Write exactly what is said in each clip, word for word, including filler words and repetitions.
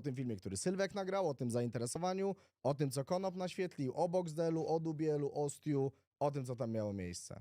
tym filmie, który Sylwek nagrał, o tym zainteresowaniu, o tym, co Konop naświetlił, o Boxdelu, o Dubielu, o Stu, o tym, co tam miało miejsce.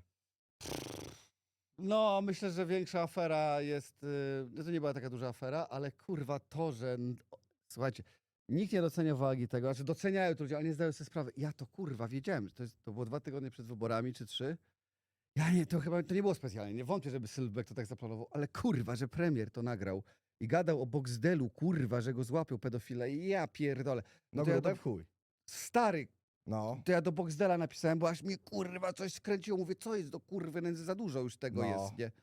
No, myślę, że większa afera jest... Yy, no to nie była taka duża afera, ale kurwa to, że... n- o, Słuchajcie, nikt nie docenia wagi tego, znaczy doceniają to ludzie, ale nie zdają sobie sprawy. Ja to kurwa wiedziałem, że to, jest, to było dwa tygodnie przed wyborami, czy trzy. Ja nie, to chyba to nie było specjalnie, nie wątpię, żeby Sylwek to tak zaplanował, ale kurwa, że premier to nagrał i gadał o Boxdelu, kurwa, że go złapił pedofila i ja pierdolę. No to ja grube do, w chuj. stary, No, to ja do Boxdela napisałem, bo aż mnie kurwa coś skręciło. Mówię, co jest do kurwy nędzy, za dużo już tego No. jest, nie?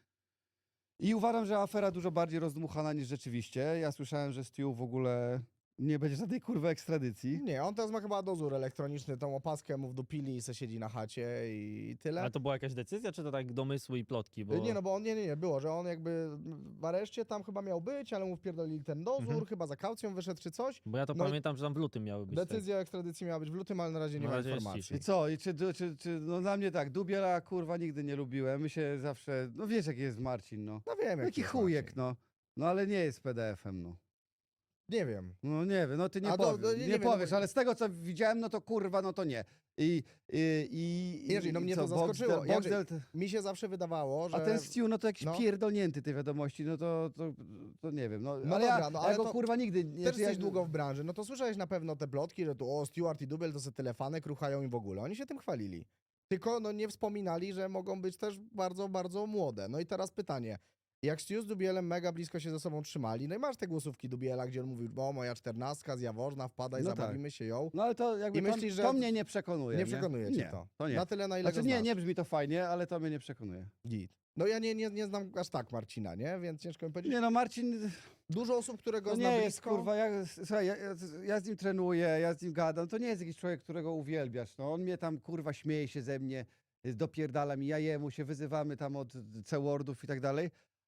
I uważam, że afera dużo bardziej rozdmuchana niż rzeczywiście. Ja słyszałem, że Stu w ogóle nie będzie żadnej kurwy ekstradycji. nie, on teraz ma chyba dozór elektroniczny, tą opaskę mu wdupili i se siedzi na chacie i tyle. Ale to była jakaś decyzja, czy to tak domysły i plotki? Bo... Nie, no bo on, nie, nie, nie, było, że on jakby w areszcie tam chyba miał być, ale mu wpierdolili ten dozór, Mhm. chyba za kaucją wyszedł czy coś. Bo ja to No i pamiętam, że tam w lutym miały być. Decyzja o ekstradycji miała być w lutym, ale na razie nie Na ma razie jest informacji. I co? I czy, czy, czy, no dla mnie tak, Dubiela kurwa nigdy nie lubiłem. My się zawsze, no wiesz jaki jest Marcin, no. No wiem, Jaki jest chujek, Marcin. no. No ale nie jest P D F-em, no. Nie wiem. No nie wiem, no ty nie A to- powiesz, no nie- nie, nie wiem, no powiesz, bo- ale z tego co widziałem, no to kurwa, no to nie. I, i, i, Jerzy, no i mnie co, to zaskoczyło. Boxdel, Jerzy, Boxdel, Mi się zawsze wydawało, że... a ten Stu, no to jakiś no. pierdolnięty tej wiadomości, no to, to, to nie wiem. No, No ale dobra, ja, no ja ale go to kurwa nigdy... Nie, Też ja, jesteś długo w branży, no to słyszałeś na pewno te plotki, że tu o, Stewart i Dubiel to se telefanek ruchają i w ogóle. Oni się tym chwalili. Tylko no nie wspominali, że mogą być też bardzo, bardzo młode. No i teraz pytanie. Jak Stu z Dubielem mega blisko się ze sobą trzymali, no i masz te głosówki Dubiela, gdzie on mówił, o moja czternastka z Jaworzna, wpadaj, No tak. zabawimy się ją. No ale to jakby I to, myślisz, że to mnie nie przekonuje. Nie przekonuje cię nie, to. to nie. Na tyle, na ile Znaczy go nie, znasz. nie brzmi to fajnie, ale to mnie nie przekonuje. Git. No ja nie, nie, nie znam aż tak Marcina, nie? Więc ciężko mi powiedzieć. Nie no, Marcin, Dużo osób, które go to zna nie jest blisko. kurwa, ja, słuchaj, ja, ja, ja z nim trenuję, ja z nim gadam, to nie jest jakiś człowiek, którego uwielbiasz, no on mnie tam kurwa śmieje się ze mnie, dopierdala mi, ja jemu się wyzywamy tam od C-wordów i tak dalej.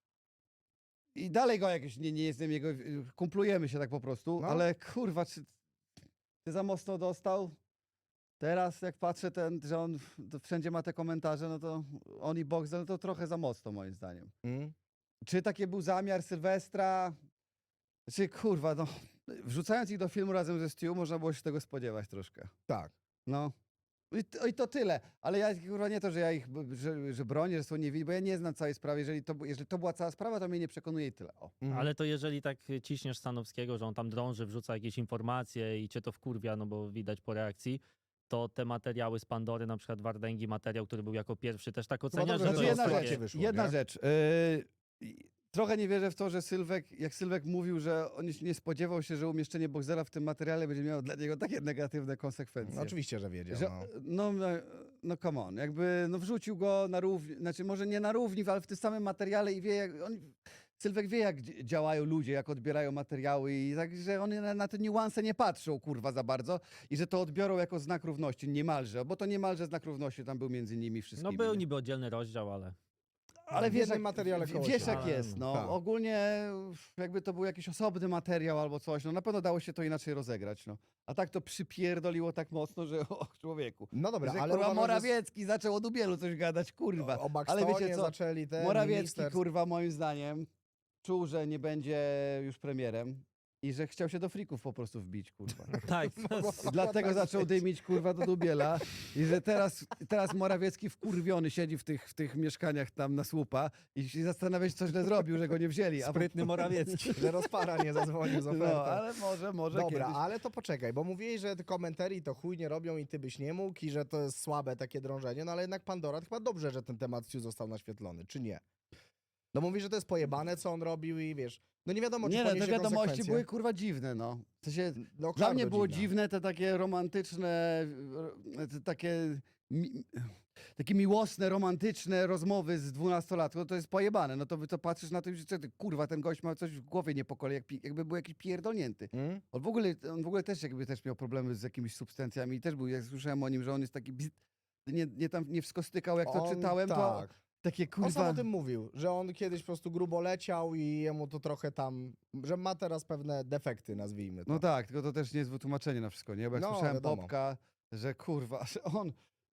I dalej go jakoś nie, nie jestem jego, kumplujemy się tak po prostu, No. ale kurwa, czy ty za mocno dostał? Teraz jak patrzę, ten, że on to wszędzie ma te komentarze, no to on i Boxdel, no to trochę za mocno moim zdaniem. Mm. Czy taki był zamiar Sylwestra? Czy kurwa, no, wrzucając ich do filmu razem ze Stu, można było się tego spodziewać troszkę. Tak. No. I to, I to tyle. Ale ja kurwa nie to, że ja ich, b- że, że bronię, że są niewinni, bo ja nie znam całej sprawy. Jeżeli to, jeżeli to była cała sprawa, to mnie nie przekonuje i tyle. O. Mhm. Ale to jeżeli tak ciśniesz Stanowskiego, że on tam drąży, wrzuca jakieś informacje i cię to wkurwia, no bo widać po reakcji, to te materiały z Pandory, na przykład Wardęgi materiał, który był jako pierwszy, też tak oceniasz, dobrze, że to że jest jedna takie... rzecz, wyszło, jedna nie? rzecz. Yy, trochę nie wierzę w to, że Sylwek, jak Sylwek mówił, że on się nie spodziewał się, że umieszczenie Boxdela w tym materiale będzie miało dla niego takie negatywne konsekwencje. No, oczywiście, że wiedział. Że, No. no, no, no come on, jakby no wrzucił go na równi, znaczy może nie na równi, ale w tym samym materiale i wie, jak on, Sylwek wie, jak dzi- działają ludzie, jak odbierają materiały i tak, że oni na, na te niuanse nie patrzą, kurwa, za bardzo i że to odbiorą jako znak równości, niemalże, bo to niemalże znak równości tam był między nimi No wszystkimi. był nie? niby oddzielny rozdział, ale... Ale w wiesz, jednym jak, materiale w- koło wiesz siebie. jak jest, no. Tak. Ogólnie jakby to był jakiś osobny materiał albo coś, no na pewno dało się to inaczej rozegrać, no. A tak to przypierdoliło tak mocno, że o człowieku. No dobra, że, ale kurwa, uważam, że Morawiecki zaczął o Dubielu coś gadać, kurwa. o Ale Buxtonie wiecie co, zaczęli te Morawiecki, minister... kurwa, moim zdaniem czuł, że nie będzie już premierem i że chciał się do frików po prostu wbić, kurwa. Tak, I dlatego tak zaczął być. dymić, kurwa, do Dubiela i że teraz, teraz Morawiecki wkurwiony siedzi w tych, w tych mieszkaniach tam na słupa i się zastanawia się, co źle zrobił, że go nie wzięli. A sprytny Morawiecki. Że rozpara nie zadzwonił z ofertą. No, ale może, może Dobra, kiedyś. ale to poczekaj, bo mówiłeś, że te komentarii to chuj nie robią i ty byś nie mógł i że to jest słabe takie drążenie, no ale jednak Pandora to chyba dobrze, że ten temat Stu został naświetlony, czy nie? No mówi, że to jest pojebane, co on robił i wiesz, no nie wiadomo, czy Nie, no, te poniesie wiadomości konsekwencje. były kurwa dziwne, no. W sensie, No, dla mnie bardzo było dziwne. dziwne te takie romantyczne, e, te takie, mi, takie miłosne, romantyczne rozmowy z dwunastolatką, no to jest pojebane. No to wy to patrzysz na to i że ty, kurwa, ten gość ma coś w głowie nie po kolei, jak, pi- jakby był jakiś pierdolnięty. Hmm? On w ogóle, on w ogóle też jakby też miał problemy z jakimiś substancjami i też był, jak słyszałem o nim, że on jest taki, bzd- nie, nie tam nie wszystko stykał, jak to On, czytałem, to tak. takie On sam kurwa... o tym mówił, że on kiedyś po prostu grubo leciał i jemu to trochę tam, że ma teraz pewne defekty, nazwijmy to. No tak, tylko to też nie jest wytłumaczenie na wszystko, nie? Bo jak No, słyszałem wiadomo. Bobka, że kurwa, że on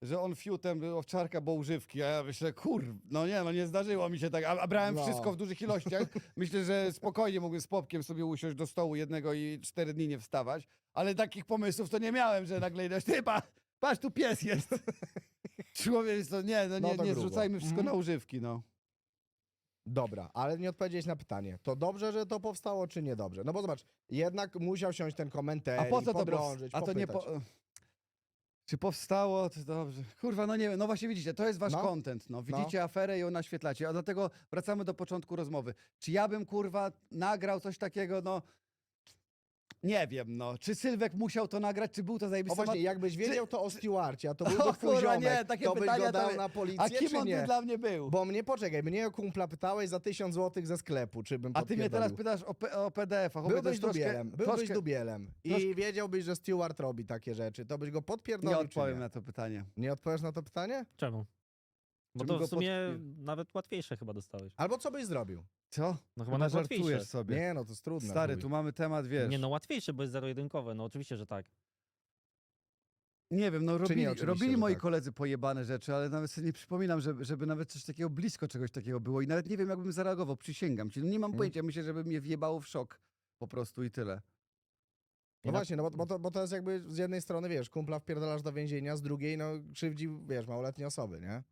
że on fiutem owczarka, bo używki, a ja myślę, kur, no nie, no nie zdarzyło mi się tak, a, a brałem No. wszystko w dużych ilościach. Myślę, że spokojnie mógłbym z Popkiem sobie usiąść do stołu jednego i cztery dni nie wstawać, ale takich pomysłów to nie miałem, że nagle idę, ty, pa, patrz, tu pies jest. Człowiek, to nie, no No nie, to nie grubo. zrzucajmy wszystko Mhm. na używki, no. Dobra, ale nie odpowiedziałeś na pytanie. To dobrze, że to powstało, czy niedobrze? No bo zobacz, jednak musiał siąść ten komentarz, A po co to podrążyć, powst- A to nie popytać. po... Czy powstało? To dobrze. Kurwa, no nie wiem. No właśnie widzicie, to jest wasz No. content. No. Widzicie aferę i ją naświetlacie. A dlatego wracamy do początku rozmowy. Czy ja bym, kurwa, nagrał coś takiego, no... Nie wiem, no. Czy Sylwek musiał to nagrać, czy był to O zajebisty właśnie, mat- jakbyś wiedział to o Stewarcie, a to O byłby twój kurwa, ziomek, nie, takie to byś pytania go dał to- na A policję, kim czy on by nie? dla mnie był? Bo mnie, poczekaj, mnie o kumpla pytałeś za tysiąc złotych ze sklepu, czy bym A ty mnie teraz podpierdolił. pytasz o, P- o P D F-ach. Chłopie, to Byłbyś jest troszkę- dubielem, byłbyś troszkę- dubielem i troszkę- wiedziałbyś, że Stewart robi takie rzeczy, to byś go Nie podpierdolił, czy odpowiem nie? na to pytanie. Nie odpowiesz na to pytanie? Czemu? Bo Żebym to go w sumie podpi- nawet łatwiejsze chyba dostałeś. Albo co byś zrobił? Co? No chyba Chyba nawet żartujesz łatwiejsze. sobie. Nie, no to jest trudne. Stary, chuj. tu mamy temat, wiesz. Nie no, łatwiejsze, bo jest zero-jedynkowe, no oczywiście, że tak. Nie wiem, no nie, robili, oczywiście, robili że moi tak. koledzy pojebane rzeczy, ale nawet sobie nie przypominam, żeby, żeby nawet coś takiego blisko czegoś takiego było i nawet nie wiem, jakbym zareagował, przysięgam ci. No nie mam Mm. pojęcia, myślę, żeby mnie wjebało w szok po prostu i tyle. No I na- właśnie, no bo, bo, to, bo to jest jakby z jednej strony, wiesz, kumpla wpierdalasz do więzienia, z drugiej, no krzywdzi, wiesz, małoletnie osoby, nie?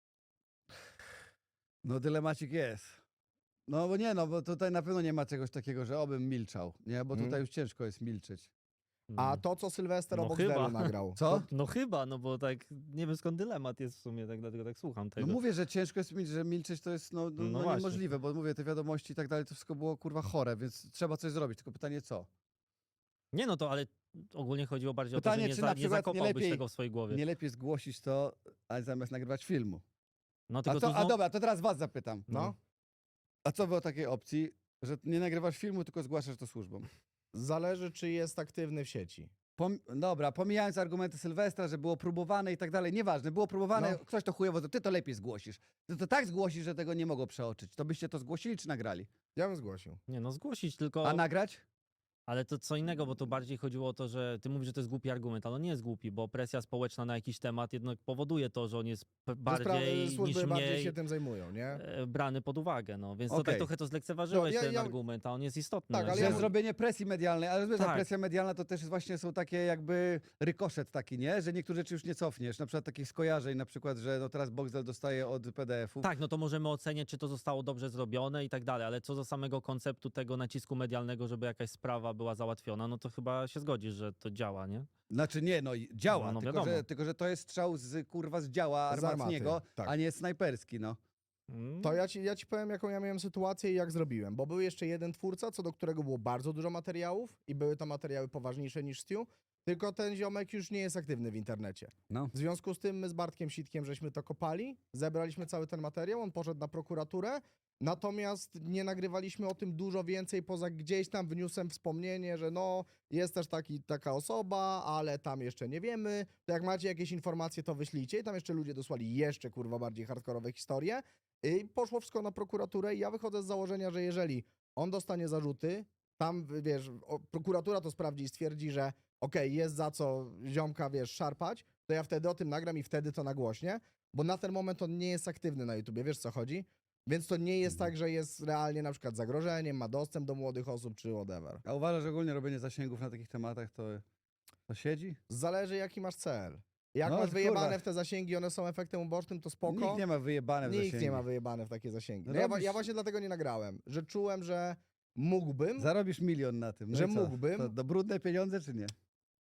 No dylemacik jest. No bo nie, no bo tutaj na pewno nie ma czegoś takiego, że obym milczał, nie? Bo Mm. tutaj już ciężko jest milczeć. A Mm. to, co Sylwester No obok chyba. Welu nagrał. Co? No chyba, no bo tak, nie wiem skąd dylemat jest w sumie, tak dlatego tak słucham tego. No mówię, że ciężko jest mi, że milczeć to jest no, no, No no właśnie. niemożliwe, bo mówię, te wiadomości i tak dalej, to wszystko było kurwa chore, więc trzeba coś zrobić. Tylko pytanie co? Nie no to, ale ogólnie chodziło bardziej o to, Pytanie, że nie, czy za, na nie przykład nie zakopałbyś lepiej- tego w swojej głowie. Nie lepiej zgłosić to, a zamiast nagrywać filmu. No A, tylko to, tu a znowu- dobra, to teraz was zapytam. No, A co wy o takiej opcji, że nie nagrywasz filmu, tylko zgłaszasz to służbom? zależy, czy jest aktywny w sieci. Pom dobra, pomijając argumenty Sylwestra, że było próbowane i tak dalej, nieważne, było próbowane, No. ktoś to chujowo, to ty to lepiej zgłosisz. Ty to tak zgłosisz, że tego nie mogło przeoczyć. To byście to zgłosili czy nagrali? Ja bym zgłosił. Nie no, zgłosić tylko... A nagrać? Ale to co innego, bo tu bardziej chodziło o to, że ty mówisz, że to jest głupi argument, ale on nie jest głupi, bo presja społeczna na jakiś temat jednak powoduje to, że on jest p- Że sprawy- bardziej niż służby bardziej mniej się tym zajmują, nie? e, brany pod uwagę, no. Więc to Okej. tak trochę to zlekceważyłeś No, ja- ten ja- argument, a on jest istotny. Tak, ale Że ja że- mu- zrobienie presji medialnej, ale wiesz, ta Tak. presja medialna to też jest właśnie są takie jakby rykoszet taki, nie? Że niektóre rzeczy już nie cofniesz, na przykład takich skojarzeń, na przykład, że no teraz Boxdel dostaje od P D F-u. Tak, no to możemy oceniać, czy to zostało dobrze zrobione i tak dalej, ale co do samego konceptu tego nacisku medialnego, żeby jakaś sprawa była załatwiona, no to chyba się zgodzisz, że to działa, nie? Znaczy nie, no i działa, No, no tylko, wiadomo. że, tylko że to jest strzał z kurwa z działa Z armaty, armatniego, tak. a nie snajperski, no. Mm. To ja ci, ja ci powiem, jaką ja miałem sytuację i jak zrobiłem, bo był jeszcze jeden twórca, co do którego było bardzo dużo materiałów i były to materiały poważniejsze niż Stu, tylko ten ziomek już nie jest aktywny w internecie. No. W związku z tym my z Bartkiem Sitkiem żeśmy to kopali, zebraliśmy cały ten materiał, on poszedł na prokuraturę, natomiast nie nagrywaliśmy o tym dużo więcej, poza gdzieś tam wniósłem wspomnienie, że no, jest też taki, taka osoba, ale tam jeszcze nie wiemy, to jak macie jakieś informacje, to wyślijcie i tam jeszcze ludzie dosłali jeszcze, kurwa, bardziej hardkorowe historie i poszło wszystko na prokuraturę i ja wychodzę z założenia, że jeżeli on dostanie zarzuty, tam, wiesz, o, prokuratura to sprawdzi i stwierdzi, że okej, jest za co ziomka, wiesz, szarpać, to ja wtedy o tym nagram i wtedy to nagłośnię, bo na ten moment on nie jest aktywny na YouTubie, wiesz co chodzi? Więc to nie jest tak, że jest realnie na przykład zagrożeniem, ma dostęp do młodych osób czy whatever. A uważasz, że ogólnie robienie zasięgów na takich tematach to, to siedzi? Zależy jaki masz cel. Jak No, masz kurwa. wyjebane w te zasięgi, one są efektem ubocznym, to spoko. Nikt nie ma wyjebane w Nikt zasięgi. nie ma wyjebane w takie zasięgi. No No ja, wa- robisz- ja właśnie dlatego nie nagrałem, że czułem, że mógłbym, Zarobisz milion na tym. No Że i co? mógłbym. To, to brudne pieniądze czy nie?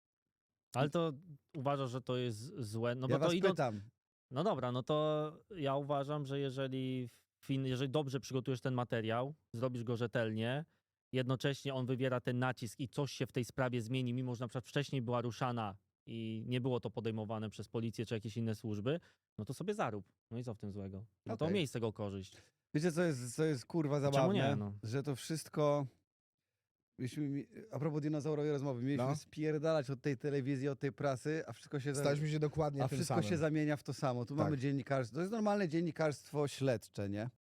Ale to uważasz, że to jest złe? No ja bo to was idąc... pytam. No dobra, no to ja uważam, że jeżeli, fin, jeżeli dobrze przygotujesz ten materiał, zrobisz go rzetelnie, jednocześnie on wywiera ten nacisk i coś się w tej sprawie zmieni, mimo że na przykład wcześniej była ruszana i nie było to podejmowane przez policję czy jakieś inne służby, no to sobie zarób. No i co w tym złego? No to Okej. miej z tego korzyść. Wiecie, co jest, co jest kurwa Czemu zabawne? nie, no? Że to wszystko... Mieliśmy, mi- a propos dinozaurowej rozmowy, mieliśmy No. spierdalać od tej telewizji, od tej prasy, a wszystko się... za- staliśmy się dokładnie A tym wszystko samym. się zamienia w to samo. Tu Tak. mamy dziennikarstwo. To jest normalne dziennikarstwo śledcze, nie?